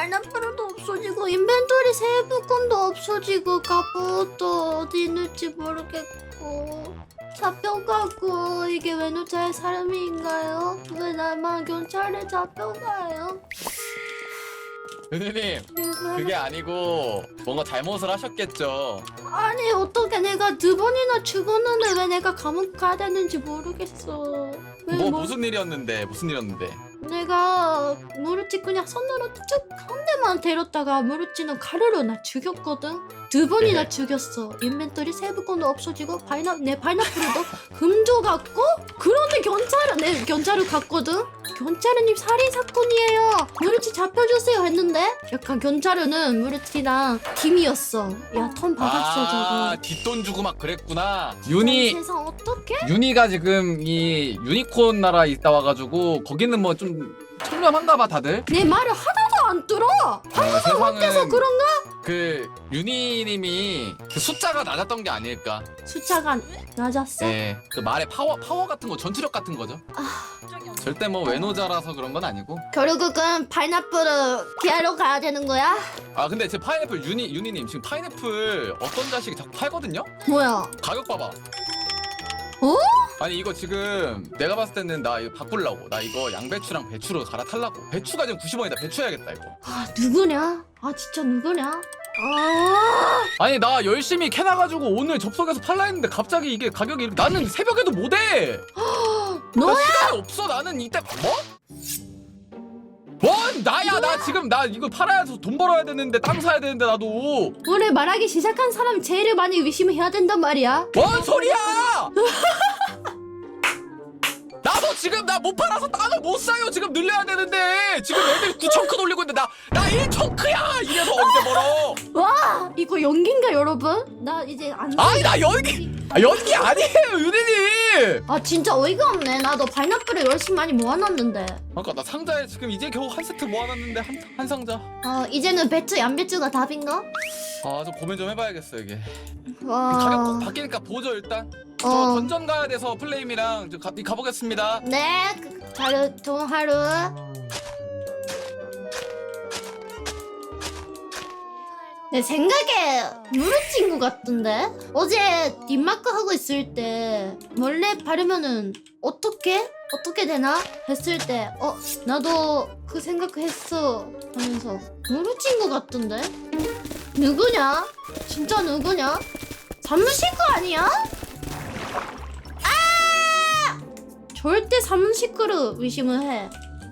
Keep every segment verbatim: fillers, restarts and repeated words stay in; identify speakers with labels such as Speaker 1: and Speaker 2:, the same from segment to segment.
Speaker 1: 파인애플도 없어지고 인벤토리 세부권도 없어지고 갑옷도 어디 있는지 모르겠고 잡혀가고 이게 외노자의 사람인가요? 왜 나만 경찰에 잡혀가요?
Speaker 2: 은희님 그게 아니고 뭔가 잘못을 하셨겠죠.
Speaker 1: 아니 어떻게 내가 두 번이나 죽었는데 왜 내가 감옥 가야 되는지 모르겠어. 왜
Speaker 2: 뭐
Speaker 1: 뭐-
Speaker 2: 무슨 일이었는데 무슨 일이었는데
Speaker 1: 내가 무르치 그냥 손으로 쭉 한 대만 때렸다가 무르치는 가루로 나 죽였거든. 두 번이나
Speaker 2: 네.
Speaker 1: 죽였어. 인벤토리 세부권도 없어지고 파이나 내 파인애플도 금조갔고 그런데 경찰은 내 경찰을 갔거든. 경찰은님 살인 사건이에요. 무르치 잡혀주세요 했는데 약간 경찰은 무르치랑 팀이었어. 야 턴 받았어
Speaker 2: 아
Speaker 1: 저거.
Speaker 2: 뒷돈 주고 막 그랬구나.
Speaker 3: 윤희
Speaker 1: 세상 어떡해?
Speaker 3: 윤희가 지금 이 유니콘 나라 있다 와가지고 거기는 뭐 좀 청렴한가봐 다들.
Speaker 1: 내 말을 하나도 안 들어.
Speaker 2: 어,
Speaker 1: 그래서
Speaker 2: 세상은
Speaker 1: 그런가?
Speaker 2: 그 윤희님이 그 숫자가 낮았던 게 아닐까.
Speaker 1: 숫자가 낮았어?
Speaker 2: 네, 그 말의 파워 파워 같은 거 전투력 같은 거죠. 절대 뭐 외노자라서 그런 건 아니고.
Speaker 1: 결국은 파인애플을 기하러 가야 되는 거야?
Speaker 2: 아 근데 제 파인애플 윤희 윤희님 지금 파인애플 어떤 자식이 자꾸 팔거든요?
Speaker 1: 뭐야?
Speaker 2: 가격 봐봐.
Speaker 1: 어?
Speaker 2: 아니 이거 지금 내가 봤을 때는 나 이거 바꾸려고. 나 이거 양배추랑 배추로 갈아탈라고. 배추가 지금 구십 원이다. 배추 해야겠다 이거.
Speaker 1: 아 누구냐? 아 진짜 누구냐? 아
Speaker 3: 아니 나 열심히 캐놔가지고 오늘 접속해서 팔라 했는데 갑자기 이게 가격이 이렇게- 나는 새벽에도 못해. 나
Speaker 1: 너야?
Speaker 3: 시간이 없어. 나는 이때 뭐? 뭔 나야 나 지금 나 이거 팔아야 해서 돈 벌어야 되는데 땅 사야 되는데 나도
Speaker 1: 오늘 말하기 시작한 사람이 제일 많이 의심해야 된단 말이야.
Speaker 3: 뭔 소리야? 나도 지금 나 못 팔아서 땅을 못 사요. 지금 늘려야 되는데 지금 애들 구천 크 돌리고 있는데 나나 일천 크야. 이래서 언제 벌어?
Speaker 1: 와 이거 연기인가 여러분? 나 이제 안.
Speaker 3: 아니 나 연기 아, 연기 아니에요 유리님.
Speaker 1: 아 진짜 어이가 없네. 나도 파인애플을 열심히 많이 모아놨는데.
Speaker 2: 그러니까 나 상자에 지금 이제 겨우 한 세트 모아놨는데 한, 한 상자.
Speaker 1: 어 이제는 배추 양배추가 답인가?
Speaker 2: 아 좀 고민 좀 해봐야겠어 이게.
Speaker 1: 와.
Speaker 2: 가격 꼭 바뀌니까 보죠 일단. 저
Speaker 1: 어.
Speaker 2: 던전 가야 돼서 플레임이랑 저 가, 가보겠습니다.
Speaker 1: 네. 그, 하루 좋은 하루. 내 생각에 무르친구 같던데? 어제 뒷마크 하고 있을 때 원래 바르면은 어떻게? 어떻게 되나? 했을 때 어? 나도 그 생각했어 하면서 무르친구 같던데? 누구냐? 진짜 누구냐? 사무실거 아니야? 아! 절대 사무실거를 의심을 해.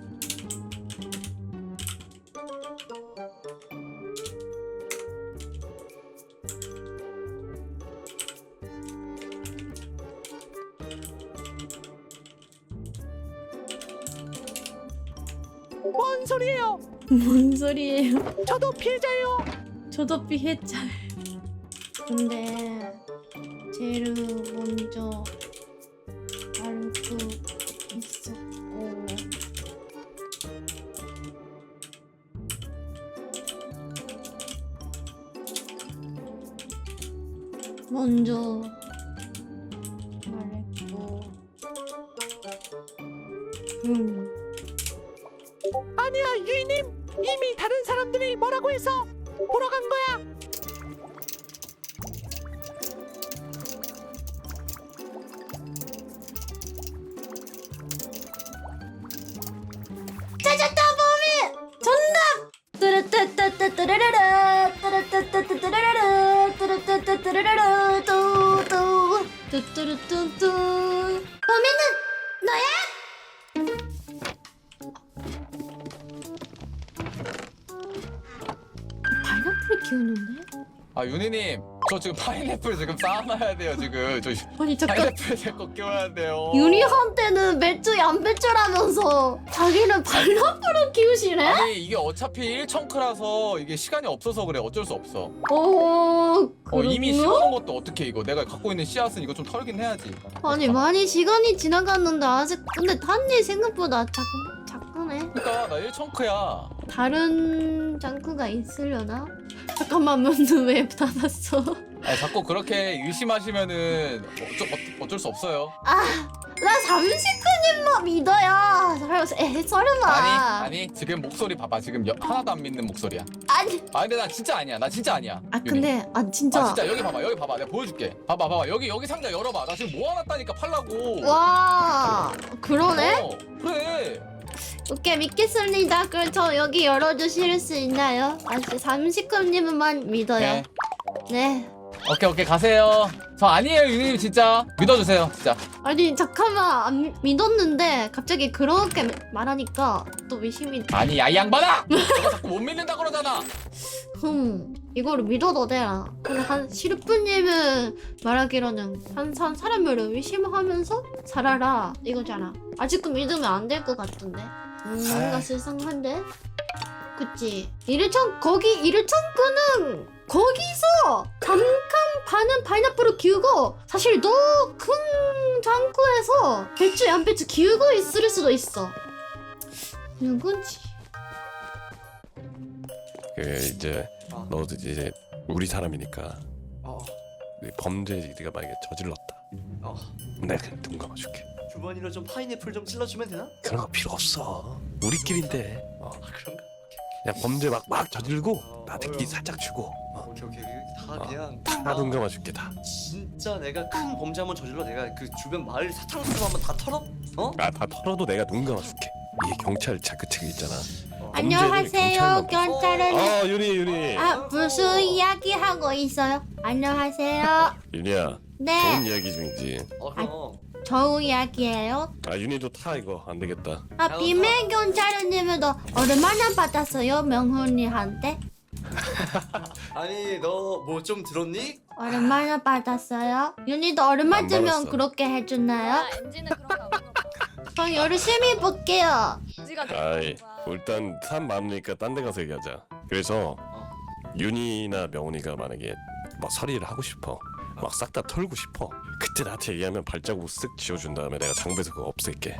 Speaker 4: 뭔 소리예요?
Speaker 1: 뭔 소리예요?
Speaker 4: 저도 피해자예요.
Speaker 1: 저도 피해자. 근데 제일 먼저 알고 있었고 먼저 말했고 음.
Speaker 4: 아니야 유이님, 이미 다른 사람들이 뭐라고 해서 보러 간 거야.
Speaker 1: 찾았다 범인! 정답! 뚜루뚜뚜뚜뚜루루루 뚜루뚜뚜뚜루루루 뚜루뚜뚜뚜루루루 뚜뚜 뚜뚜루뚜뚜 범인은 너야? 파인애플을 키우는데?
Speaker 2: 아 윤희님 저 지금 파인애플 지금 쌓아놔야 돼요 지금. 저
Speaker 1: 아니 잠깐
Speaker 2: 파인애플 제거 끼워야 돼요.
Speaker 1: 유리한테는 배추 양배추라면서 자기는 파인애플을 키우시네?
Speaker 2: 아니 이게 어차피 일 청크라서 이게 시간이 없어서 그래. 어쩔 수 없어.
Speaker 1: 어...
Speaker 2: 어, 이미
Speaker 1: 그렇구나?
Speaker 2: 심어놓은 것도 어떻게 이거 내가 갖고 있는 씨앗은 이거 좀 털긴 해야지.
Speaker 1: 아니 많이 시간이 지나갔는데 아직 근데 탄니 생각보다 작, 작구네.
Speaker 2: 그러니까 나 일 청크야.
Speaker 1: 다른 장구가 있으려나? 잠깐만 문은 왜 닫았어?
Speaker 2: 아니, 자꾸 그렇게 의심하시면은 어쩔, 어쩔 수 없어요.
Speaker 1: 나 삼식구님만 믿어요. 설마, 에, 설마.
Speaker 2: 아니 아니 지금 목소리 봐봐. 지금 여, 하나도 안 믿는 목소리야.
Speaker 1: 아니.
Speaker 2: 아 근데 나 진짜 아니야. 나 진짜 아니야.
Speaker 1: 아,
Speaker 2: 윤희.
Speaker 1: 근데, 아, 진짜.
Speaker 2: 아 진짜 여기 봐봐. 여기 봐봐. 내가 보여줄게. 봐봐 봐봐. 여기 여기 상자 열어봐. 나 지금 모아놨다니까 팔라고.
Speaker 1: 와, 그러네?
Speaker 2: 어, 그래.
Speaker 1: 오케이, 믿겠습니다. 그럼 저 여기 열어주실 수 있나요? 아, 진짜 삼식구님만 믿어요.
Speaker 2: 네.
Speaker 1: 네.
Speaker 2: 오케이 오케이 가세요. 저 아니에요 유님 진짜 믿어주세요 진짜.
Speaker 1: 아니, 잠깐만. 안 믿었는데, 갑자기 그렇게 말하니까 또 의심이.
Speaker 2: 아니 야이 양반아! 내가 자꾸 못 믿는다 그러잖아.
Speaker 1: 흠, 이거를 믿어도 되나? 근데 한 시르프님은 말하기로는 항상 사람을 의심하면서 살아라 이거잖아. 아직도 믿으면 안 될 것 같던데. 음, 뭔가 실상한데? 그치? 이르청 거기 이르청구는 거기서 잠깐 반은 파인애플을 키우고 사실 더 큰 창고에서 배추 양배추 키우고 있을 수도 있어. 누군지.
Speaker 5: 그 이제
Speaker 6: 어.
Speaker 5: 너도 이제 우리 사람이니까
Speaker 6: 어,
Speaker 5: 네 범죄 네가 만약에 저질렀다.
Speaker 6: 어.
Speaker 5: 내가 그냥 눈 감아줄게.
Speaker 6: 주머니로 좀 파인애플 좀 찔러주면 되나?
Speaker 5: 그런 거 필요 없어. 우리끼리인데. 어.
Speaker 6: 아 그런가?
Speaker 5: 그냥 범죄 막 막 저질고
Speaker 6: 어,
Speaker 5: 나한테 끼
Speaker 6: 어휴.
Speaker 5: 살짝 주고. 어.
Speaker 6: 오케이 오케이 다
Speaker 5: 어.
Speaker 6: 그냥
Speaker 5: 다 눈 감아줄게 다.
Speaker 6: 진짜 내가 큰 범죄 한번 저질러 내가 그 주변 마을 사탕수수 한번 다 털어? 어?
Speaker 5: 아 다 털어도 내가 눈 감아줄게. 이게 경찰차 그 책 있잖아.
Speaker 6: 어.
Speaker 1: 안녕하세요,
Speaker 5: 경찰만
Speaker 1: 경찰은.
Speaker 5: 아 윤희 윤희.
Speaker 1: 아, 무슨 이야기 하고 있어요? 안녕하세요.
Speaker 5: 윤희야.
Speaker 1: 네,
Speaker 5: 좋은 이야기 중이지.
Speaker 6: 어 그럼
Speaker 1: 좋은 이야기예요.
Speaker 5: 아 윤희도 타 이거 안 되겠다.
Speaker 1: 아, 비밀 경찰은님도 얼마나 받았어요, 명훈이한테?
Speaker 6: 아니 너 뭐 좀 들었니?
Speaker 1: 얼마나 받았어요? 윤희도 얼마쯤면
Speaker 5: 받았어.
Speaker 1: 그렇게 해주나요?
Speaker 7: 아, 엔진은 그런 거 안 하는 거야.
Speaker 1: 그럼 열심히 볼게요.
Speaker 7: 지가
Speaker 5: 아이 일단 사람 많으니까 딴 데 가서 얘기하자. 그래서
Speaker 6: 어.
Speaker 5: 윤희나 명훈이가 만약에 막 서리를 하고 싶어 막 싹 다 털고 싶어 그때 나한테 얘기하면 발자국 쓱 지워준 다음에 내가 장부에서 그거 없앨게.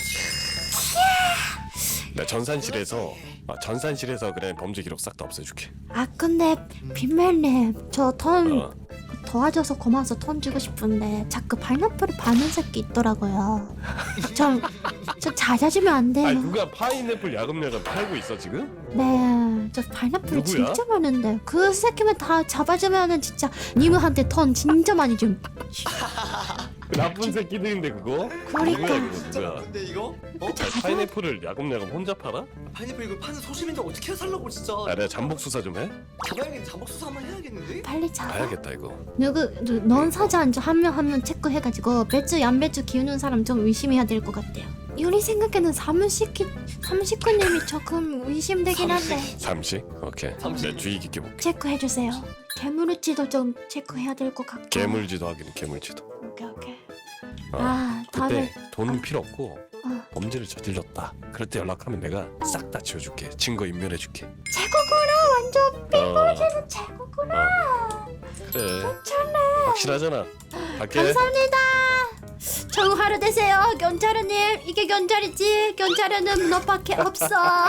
Speaker 5: 나 전산실에서 아, 전산실에서 그냥 범죄 기록 싹 다 없애줄게.
Speaker 1: 아, 근데 비밀님, 저 턴
Speaker 5: 어.
Speaker 1: 도와줘서 고마워서 턴 주고 싶은데 자꾸 파인애플을 파는 새끼 있더라고요. 좀, 좀 잦아주면 안 돼요?
Speaker 5: 아니 누가 파인애플 야금야금 팔고 있어 지금?
Speaker 1: 네, 저 파인애플이
Speaker 5: 누구야?
Speaker 1: 진짜 많은데 그 새끼만 다 잡아주면은 진짜 님한테 턴 진짜 많이 좀.
Speaker 5: 그 나쁜 새끼들인데 그거?
Speaker 1: 그러니까.
Speaker 5: 누구야 그거
Speaker 6: 진짜
Speaker 5: 누구야?
Speaker 6: 나쁜데 이거? 어?
Speaker 5: 아, 파인애플을 야금야금 혼자 팔아?
Speaker 6: 파인애플 이거 파는 소심인데 어떻게 살라고 진짜
Speaker 5: 아 내가 잠복 수사 좀 해?
Speaker 6: 잡아야겠 잠복 수사 한번 해야겠는데?
Speaker 1: 빨리 잡아.
Speaker 5: 봐야겠다 이거.
Speaker 1: 누구, 누- 넌 사장 한명 한 명 체크해가지고 배추 양배추 키우는 사람 좀 의심해야 될 것 같아요. 우리 생각에는 사무식이 삼식구님이 조금 의심되긴 한데
Speaker 5: 삼식? 오케이.
Speaker 6: 삼식.
Speaker 5: 내가 주의 깊게 볼게.
Speaker 1: 체크해주세요. 개물치도 좀 체크해야 될 것 같고.
Speaker 5: 개물지도 하긴 개물지도.
Speaker 1: 오케이 오케이.
Speaker 5: 어.
Speaker 1: 아, 다들
Speaker 5: 그때 돈 필요 없고
Speaker 1: 어.
Speaker 5: 범죄를 저질렀다. 그럴 때 연락하면 내가 싹 다 지워줄게. 증거 인멸해줄게.
Speaker 1: 최고구나. 완전
Speaker 5: 어,
Speaker 1: 최고구나.
Speaker 5: 어. 그래. 확실하잖아. 갈게.
Speaker 1: 감사합니다. 좋은 하루 되세요, 견자르님. 이게 견자리지. 견자르는 너밖에 없어.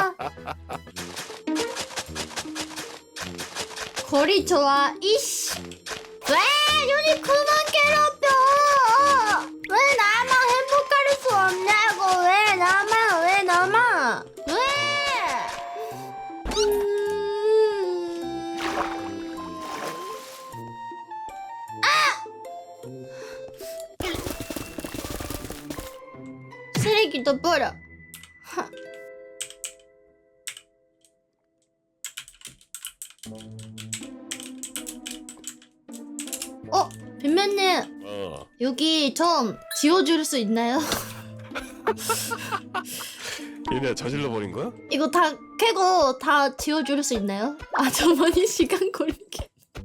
Speaker 1: 거리 좋아. 이씨. 왜 윤이 그만 괴롭혀? 왜 나만 행복할 수 없냐고? 왜 나만? 왜 나만? 왜? 음... 쓰레기도 버려. 하. 어, 빈면님
Speaker 5: 어.
Speaker 1: 여기 좀 지워줄 수 있나요?
Speaker 5: 얘네 저질러 버린 거야?
Speaker 1: 이거 다 캐고 다 지워줄 수 있나요? 아, 저 많이 시간 걸리게.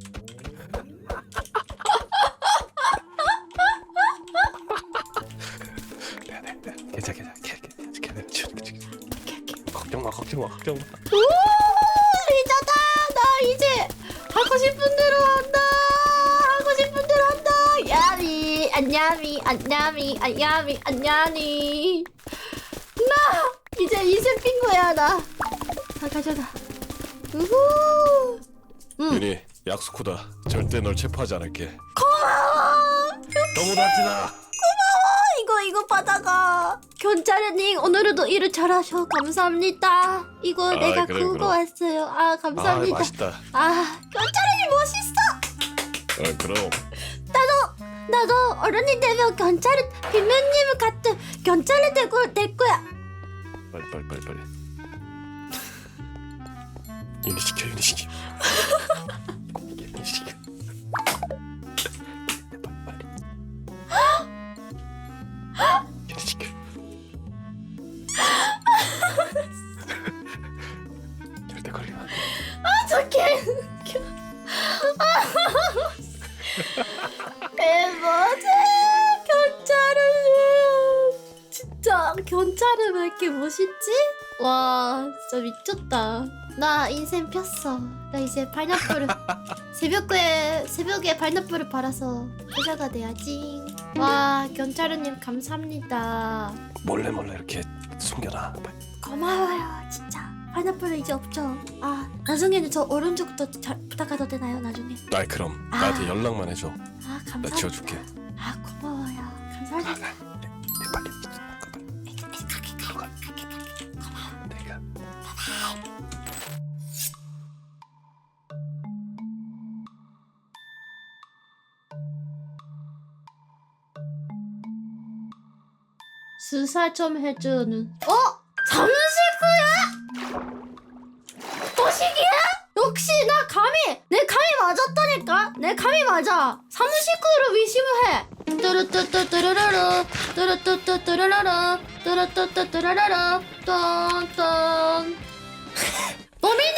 Speaker 5: 괜찮아 괜찮아. 괜찮아. 지워줄게. 걱정 마 걱정 마 걱정 마.
Speaker 1: 오, 리자다. 나 이제 하고 싶은 대로 한다. 하고 싶은 대로 한다. 야미, 안야미, 안야미, 안야미, 안야미. 나 이제 이세 핑거야 나. 다 가져가. 우후. 응.
Speaker 5: 윤희 약속하다. 절대 널 체포하지 않을게. 고마워. 너무 나지나.
Speaker 1: 이거 이거 받아가. 경찰님 오늘도 일을 잘하셔. 감사합니다. 이거
Speaker 5: 아,
Speaker 1: 내가
Speaker 5: 그래,
Speaker 1: 구워
Speaker 5: 그럼.
Speaker 1: 왔어요. 아
Speaker 5: 아
Speaker 1: 감사합니다.
Speaker 5: 맛있다.
Speaker 1: 아 경찰님 멋있어.
Speaker 5: 어 그럼.
Speaker 1: 나도 어른이 되면 경찰을 비면님 같은 경찰이 되고 될 거야.
Speaker 5: 빨리 빨리 빨리 빨리. 윤희 시켜 윤희 시켜. 윤희 시켜. 빨리. 윤희 시켜. 절대 걸리면 안 돼.
Speaker 1: 어떡해. 대박이야. 경찰은 진짜 경찰은 왜 이렇게 멋있지? 와 진짜 미쳤다. 나 인생 폈어. 나 이제 파인애플을 새벽에 새벽에 파인애플을 팔아서 부자가 돼야지. 와 경찰님 감사합니다.
Speaker 5: 몰래 몰래 이렇게 숨겨놔. 빨리.
Speaker 1: 고마워요 진짜. 파인애플은 이제 없죠. 아 나중에는 저 오른쪽도 잘 부탁해도 되나요 나중에?
Speaker 5: 아 그럼
Speaker 1: 아.
Speaker 5: 나한테 연락만 해줘.
Speaker 1: 아
Speaker 5: 나
Speaker 1: 감사합니다.
Speaker 5: 지워줄게.
Speaker 1: 아 고마워요. 감사합니다.
Speaker 5: 빨리. 내가.
Speaker 1: 수사 좀 해주는. 어? 사무실구야? 도식이야? 역시 나 감이 내 감이 맞았다니까. 내 감이 맞아. 사무실구를 의심해. 뚜루뚜뚜뚜루루루 뚜루뚜뚜뚜루루루 뚜루뚜뚜뚜루루루 똥똥. 범인은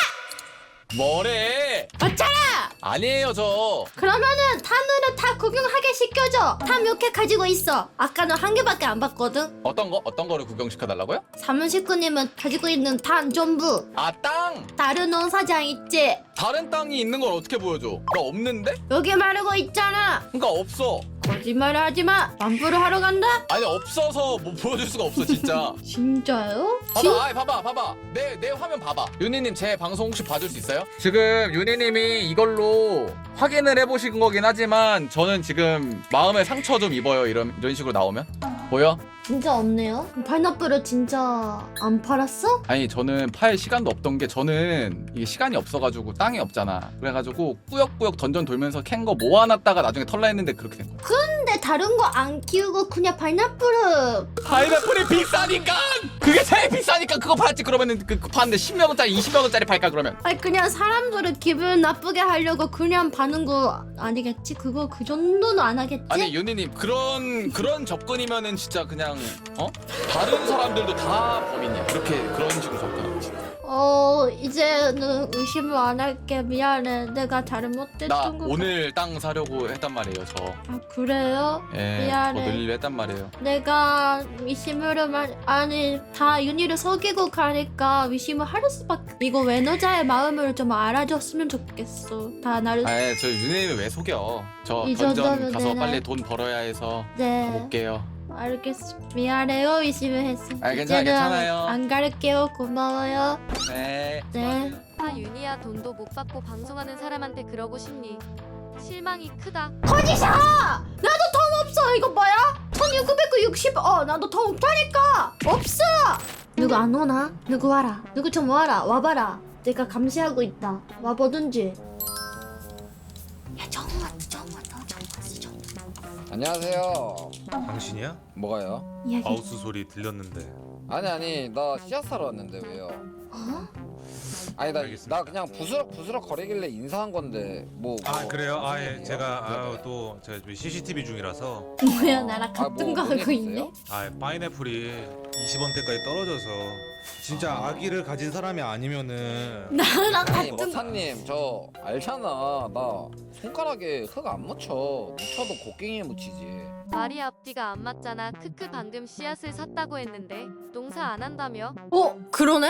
Speaker 1: 너야?
Speaker 2: 뭐래?
Speaker 1: 맞잖아.
Speaker 2: 아니에요 저.
Speaker 1: 그러면은 탄으로 다 구경하게 시켜줘. 탄 몇 개 가지고 있어. 아까는 한 개밖에 안 봤거든.
Speaker 2: 어떤 거 어떤 거를 구경시켜 달라고요?
Speaker 1: 사무실구님은 가지고 있는 탄 전부
Speaker 2: 아 땅.
Speaker 1: 다른 농사장 있지?
Speaker 2: 다른 땅이 있는 걸 어떻게 보여줘? 나 없는데?
Speaker 1: 여기 말고 있잖아.
Speaker 2: 그러니까 없어.
Speaker 1: 거짓말 하지 마. 완부를 하러 간다?
Speaker 2: 아니 없어서 뭐 보여줄 수가 없어 진짜.
Speaker 1: 진짜요?
Speaker 2: 봐봐, 아이, 봐봐, 봐봐. 내, 내 화면 봐봐. 윤희님 제 방송 혹시 봐줄 수 있어요? 지금 윤희님이 이걸로 확인을 해보신 거긴 하지만 저는 지금 마음에 상처 좀 입어요. 이런 이런 식으로 나오면 보여?
Speaker 1: 진짜 없네요. 파인애플을 진짜 안 팔았어?
Speaker 2: 아니 저는 팔 시간도 없던 게 저는 이게 시간이 없어가지고 땅이 없잖아. 그래가지고 꾸역꾸역 던전 돌면서 캔 거 모아놨다가 나중에 털라 했는데 그렇게 된 거야.
Speaker 1: 근데 다른 거 안 키우고 그냥 파인애플을.
Speaker 2: 파인애플이 비싸니까 그게 제일 비싸니까 그거 팔았지. 그러면은 그, 그 파는데 십몇 원짜리 이십몇 원짜리 팔까 그러면.
Speaker 1: 아니 그냥 사람들을 기분 나쁘게 하려고 그냥 파는 거 아니겠지? 그거 그 정도는 안 하겠지?
Speaker 2: 아니 윤희님 그런 그런 접근이면은 진짜 그냥 어 다른 사람들도 다 범인이야. 그렇게 그런 식으로 접근하면 진짜.
Speaker 1: 어 이제는 의심을 안 할게. 미안해. 내가 잘못했던
Speaker 2: 나
Speaker 1: 거.
Speaker 2: 오늘 땅 사려고 했단 말이에요 저.
Speaker 1: 아 그래요?
Speaker 2: 예,
Speaker 1: 미안해.
Speaker 2: 더 늘리려 했단 말이에요.
Speaker 1: 내가 의심을 말 아니 다 윤희를 속이고 가니까 의심을 할 수밖에. 이거 외노자의 마음을 좀 알아줬으면 좋겠어. 다 나를.
Speaker 2: 아예 저 윤희님이 왜 속여? 저
Speaker 1: 이
Speaker 2: 던전
Speaker 1: 정도면
Speaker 2: 가서
Speaker 1: 되나요?
Speaker 2: 빨리 돈 벌어야 해서
Speaker 1: 네.
Speaker 2: 가볼게요.
Speaker 1: 알겠어. 미안해요. 의심을 했어.
Speaker 2: 아, 괜찮아,
Speaker 1: 이제는
Speaker 2: 괜찮아요.
Speaker 1: 안 갈게요. 고마워요.
Speaker 2: 네.
Speaker 1: 네.
Speaker 7: 아 윤희야 돈도 못 받고 방송하는 사람한테 그러고 싶니? 실망이 크다.
Speaker 1: 거짓아! 나도 돈 없어. 이거 뭐야? 천육백육십. 어, 나도 돈 없다니까. 없어. 누구 안 오나? 누구 와라. 누구 좀 와라. 와봐라. 내가 감시하고 있다. 와보든지. 야, 정우 왔다. 정우 왔다. 정우 왔어. 정우.
Speaker 8: 안녕하세요.
Speaker 9: 당신이야?
Speaker 8: 뭐가요?
Speaker 1: 이야기.
Speaker 9: 마우스 소리 들렸는데.
Speaker 8: 아니 아니 나 씨앗 사러 왔는데 왜요?
Speaker 1: 어?
Speaker 8: 아니 나,
Speaker 9: 알겠습니다.
Speaker 8: 나 그냥 부스럭 부스럭 거리길래 인사한 건데 뭐.
Speaker 9: 아
Speaker 8: 뭐
Speaker 9: 그래요? 아
Speaker 8: 무슨
Speaker 9: 예
Speaker 8: 일이에요?
Speaker 9: 제가
Speaker 8: 네네.
Speaker 9: 아유 또 제가 지금 씨씨티비 중이라서
Speaker 1: 뭐야, 나랑
Speaker 8: 아,
Speaker 1: 같은
Speaker 8: 뭐,
Speaker 1: 거
Speaker 8: 뭔일
Speaker 1: 하고
Speaker 8: 있어요?
Speaker 1: 있네.
Speaker 9: 아 파인애플이 이십 원대까지 떨어져서 진짜 아기를 가진 사람이 아니면은
Speaker 1: 나랑
Speaker 8: 아니
Speaker 1: 같은 거.
Speaker 8: 머사님 저 알잖아 나 손가락에 흙 안 묻혀 묻혀도 곡괭이에 묻히지.
Speaker 7: 말이 앞뒤가 안 맞잖아. 크크 방금 씨앗을 샀다고 했는데 농사 안 한다며?
Speaker 1: 어, 그러네?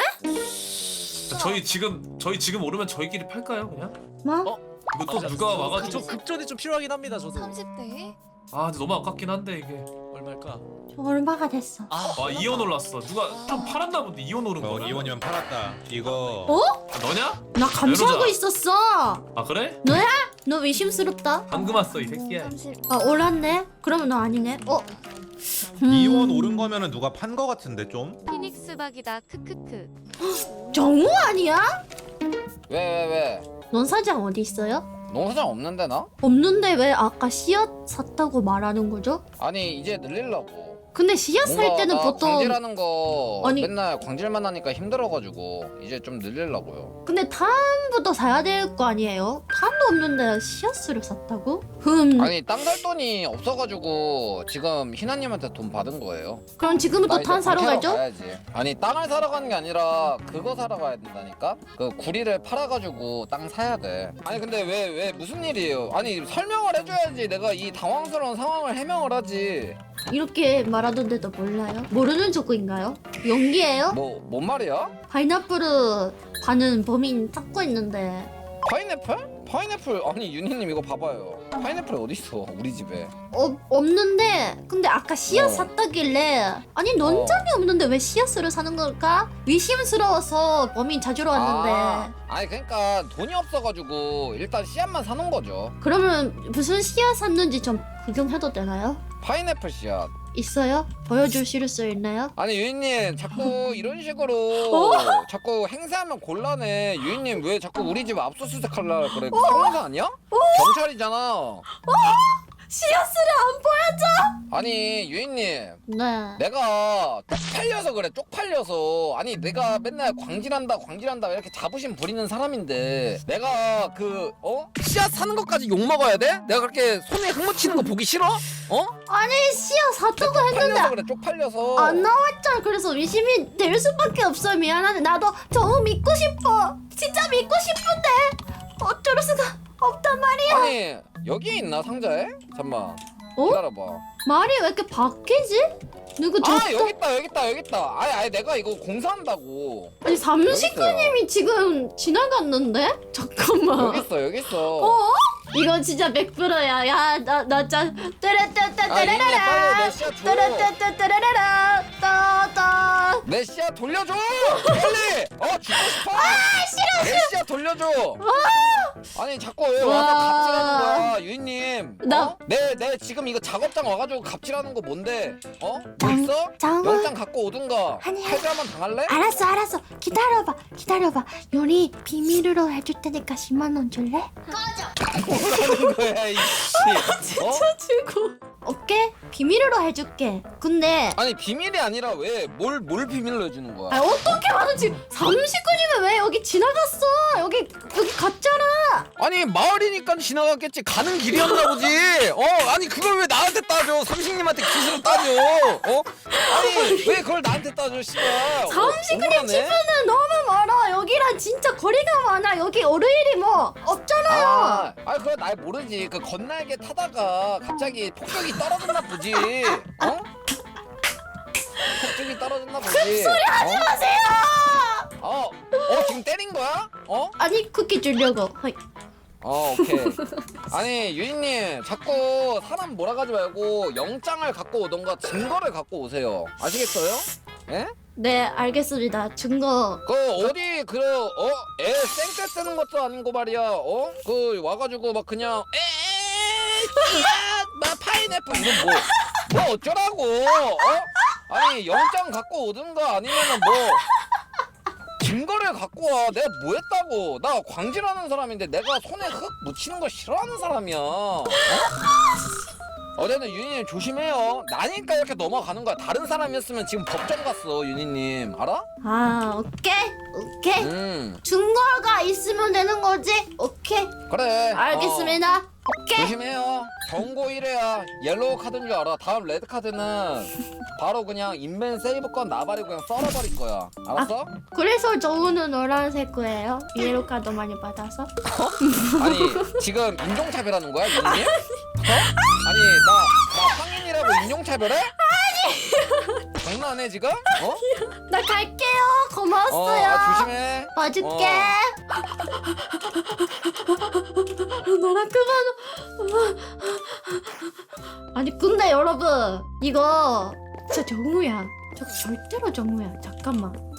Speaker 10: 저희 지금 저희 지금 오르면 저희끼리 팔까요 그냥?
Speaker 1: 뭐?
Speaker 10: 어? 이거 또 누가 와가지고
Speaker 4: 좀 급전이 좀 필요하긴 합니다 저도.
Speaker 7: 삼십 대에?
Speaker 10: 아 근데 너무 아깝긴 한데 이게.
Speaker 3: 얼마일까?
Speaker 1: 저 얼마가 됐어?
Speaker 3: 아,
Speaker 10: 와 이온 올랐어. 누가 좀 팔았나 본데 이온 오른
Speaker 9: 어
Speaker 10: 거야.
Speaker 9: 이원이면 팔았다. 이거
Speaker 1: 어?
Speaker 10: 아, 너냐?
Speaker 1: 나 감시하고
Speaker 10: 외로자.
Speaker 1: 있었어.
Speaker 10: 아 그래?
Speaker 1: 너야? 너 의심스럽다.
Speaker 10: 방금 왔어 이 새끼야.
Speaker 1: 아 올랐네? 그러면 너 아니네? 어? 음,
Speaker 9: 이원 오른 거면은 누가 판 거 같은데 좀?
Speaker 7: 피닉스 박이다 크크크.
Speaker 1: 정우 아니야?
Speaker 8: 왜 왜 왜?
Speaker 1: 넌 사장 어디 있어요?
Speaker 8: 농사장 없는데 나?
Speaker 1: 없는데 왜 아까 씨앗 샀다고 말하는 거죠?
Speaker 8: 아니 이제 늘리려고.
Speaker 1: 근데 씨앗 살
Speaker 8: 뭔가
Speaker 1: 때는
Speaker 8: 나
Speaker 1: 보통
Speaker 8: 광질하는 거
Speaker 1: 아니-
Speaker 8: 맨날 광질만 하니까 힘들어가지고 이제 좀 늘리려고요.
Speaker 1: 근데 탄부터 사야 될 거 아니에요? 탄도 없는데 씨앗을 샀다고? 흠
Speaker 8: 아니 땅 살 돈이 없어가지고 지금 희나님한테 돈 받은 거예요.
Speaker 1: 그럼 지금부터
Speaker 8: 나 이제
Speaker 1: 탄 사러
Speaker 8: 광캐러
Speaker 1: 가죠?
Speaker 8: 가야지. 아니 땅을 사러 가는 게 아니라 그거 사러 가야 된다니까. 그 구리를 팔아가지고 땅 사야 돼. 아니 근데 왜 왜 무슨 일이에요? 아니 설명을 해줘야지 내가 이 당황스러운 상황을 해명을 하지.
Speaker 1: 이렇게 말하던데도 몰라요? 모르는 족구인가요? 연기예요?
Speaker 8: 뭐 뭔 말이야?
Speaker 1: 파인애플을 파는 범인 찾고 있는데
Speaker 8: 파인애플? 파인애플 아니 윤희님 이거 봐봐요. 파인애플 어디 있어? 우리 집에.
Speaker 1: 어, 없는데 근데 아까 씨앗
Speaker 8: 어.
Speaker 1: 샀다길래 아니 논장이 없는데 왜 씨앗을 사는 걸까? 의심스러워서 범인 찾으러 왔는데
Speaker 8: 아, 아니 그러니까 돈이 없어가지고 일단 씨앗만 사놓은 거죠.
Speaker 1: 그러면 무슨 씨앗 샀는지 좀 구경해도 되나요?
Speaker 8: 파인애플 씨앗.
Speaker 1: 있어요? 보여주실 수 있나요?
Speaker 8: 아니 유인님 자꾸 이런 식으로
Speaker 1: 어?
Speaker 8: 자꾸 행세하면 곤란해. 유인님 왜 자꾸 우리 집 압수수색 하려 그래?
Speaker 1: 어?
Speaker 8: 상사 아니야? 경찰이잖아.
Speaker 1: 씨앗을 안 보여줘?
Speaker 8: 아니 유인님
Speaker 1: 네
Speaker 8: 내가 쪽팔려서 그래. 쪽팔려서. 아니 내가 맨날 광질한다 광질한다 이렇게 자부심 부리는 사람인데 내가 그 어? 씨앗 사는 것까지 욕먹어야 돼? 내가 그렇게 손에 흙 묻히는 거 보기 싫어? 어?
Speaker 1: 아니 씨앗 샀다고 했는데
Speaker 8: 쪽팔려서 그래 쪽팔려서.
Speaker 1: 안 나왔잖아. 그래서 의심이 될 수밖에 없어. 미안한데 나도 정우 믿고 싶어. 진짜 믿고 싶은데 어쩔 수가 없단 말이야.
Speaker 8: 아니 여기 있나 상자에? 잠만
Speaker 1: 어?
Speaker 8: 기다려봐.
Speaker 1: 말이 왜 이렇게 바뀌지? 누구
Speaker 8: 아
Speaker 1: 줬다?
Speaker 8: 여기 있다 여기 있다 여기 있다. 아니 아니 내가 이거 공사한다고.
Speaker 1: 아니 삼식구님이 지금 지나갔는데? 잠깐만.
Speaker 8: 여기 있어 여기 있어.
Speaker 1: 어? 이거 진짜 백 퍼센트야. 야, 나, 나 짜. 따라따따
Speaker 8: 아 이게 빨리
Speaker 1: 따라라라.
Speaker 8: 내 씨앗 줘.
Speaker 1: 따라따따 따라라라. 따따.
Speaker 8: 내 씨앗 돌려줘. 빨리. 어 죽고 싶어. 아 싫어. 내 씨앗 돌려줘. 아니 자꾸 왜 와서
Speaker 1: 와.
Speaker 8: 갑질하는 거야 유인님.
Speaker 1: 나-
Speaker 8: 어? 내, 내 지금 이거 작업장 와가지고 갑질하는 거 뭔데? 어? 뭐
Speaker 1: 장-
Speaker 8: 있어?
Speaker 1: 장어.
Speaker 8: 영장 갖고 오든가.
Speaker 1: 아니야.
Speaker 8: 칼질 한번 당할래?
Speaker 1: 알았어, 알았어. 기다려봐, 기다려봐. 요리 비밀으로 해줄 테니까 십만 원 줄래?
Speaker 8: 뭐라는 거야 이씨. 어?
Speaker 1: 주고. 오케이, 비밀으로 해줄게. 근데
Speaker 8: 아니 비밀이 아니라 왜 뭘 뭘 비밀로 해주는 거야?
Speaker 1: 아, 어떻게 하는지 삼십구님은 왜 여기 지나갔어? 여기 여기 갔잖아.
Speaker 8: 아니 마을이니까 지나갔겠지. 가는 길이었나 보지. 어 아니 그걸 왜 나한테 따져? 삼식님한테 기술을 따져. 어 아니 왜 그걸 나한테 따져 씨발.
Speaker 1: 삼십구님
Speaker 8: 억울하네.
Speaker 1: 집은 너무 멀어. 여기랑 진짜 거리가 많아. 여기 어르일이 뭐 없잖아요.
Speaker 8: 아, 아 그거 날 모르지. 그 건날개 타다가 갑자기 폭격이 떨어졌나 보지. 어? 폭격이 떨어졌나 보지. 큰 소리 하지
Speaker 1: 마세요.
Speaker 8: 어, 어 지금 때린 거야? 어?
Speaker 1: 아니 쿠키 주려고. 허이.
Speaker 8: 어 오케이. 아니 유인님 자꾸 사람 몰아가지 말고 영장을 갖고 오던가 증거를 갖고 오세요. 아시겠어요? 예?
Speaker 1: 네, 알겠습니다. 증거.
Speaker 8: 그 어디 그어애 쌩때 쓰는 것도 아닌 거 말이야. 어? 그 와가지고 막 그냥 에에에 씨앗 막 파인애플 이건 뭐 뭐 어쩌라고? 어? 아니 영장 갖고 오든가 아니면은 뭐 증거를 갖고 와. 내가 뭐 했다고? 나 광질하는 사람인데 내가 손에 흙 묻히는 거 싫어하는 사람이야. 어? 어제는 유니님 조심해요. 나니까 이렇게 넘어가는 거야. 다른 사람이었으면 지금 법정 갔어 유니님. 알아?
Speaker 1: 아, 오케이, 오케이.
Speaker 8: 음
Speaker 1: 증거가 있으면 되는 거지? 오케이,
Speaker 8: 그래.
Speaker 1: 알겠습니다.
Speaker 8: 어,
Speaker 1: 오케이.
Speaker 8: 조심해요. 경고 일 회야. 옐로우 카드인 줄 알아. 다음 레드 카드는 바로 그냥 인벤 세이브권 나발이고 그냥 썰어버릴 거야. 알았어?
Speaker 1: 그래서 정우는 노란색 거예요. 이에로 카드 많이 받아서.
Speaker 8: 아니 지금 인종차별하는 거야 유니님? 어? 아니 나, 나 황인이라고 인종차별해? 아니 장난해 지금? 어?
Speaker 1: 나 갈게요.
Speaker 8: 어,
Speaker 1: 고마웠어요.
Speaker 8: 아, 조심해.
Speaker 1: 봐줄게.
Speaker 8: 어.
Speaker 1: 너랑 그만. 아니 근데 여러분 이거 진짜 정우야. 저 절대로 정우야. 잠깐만.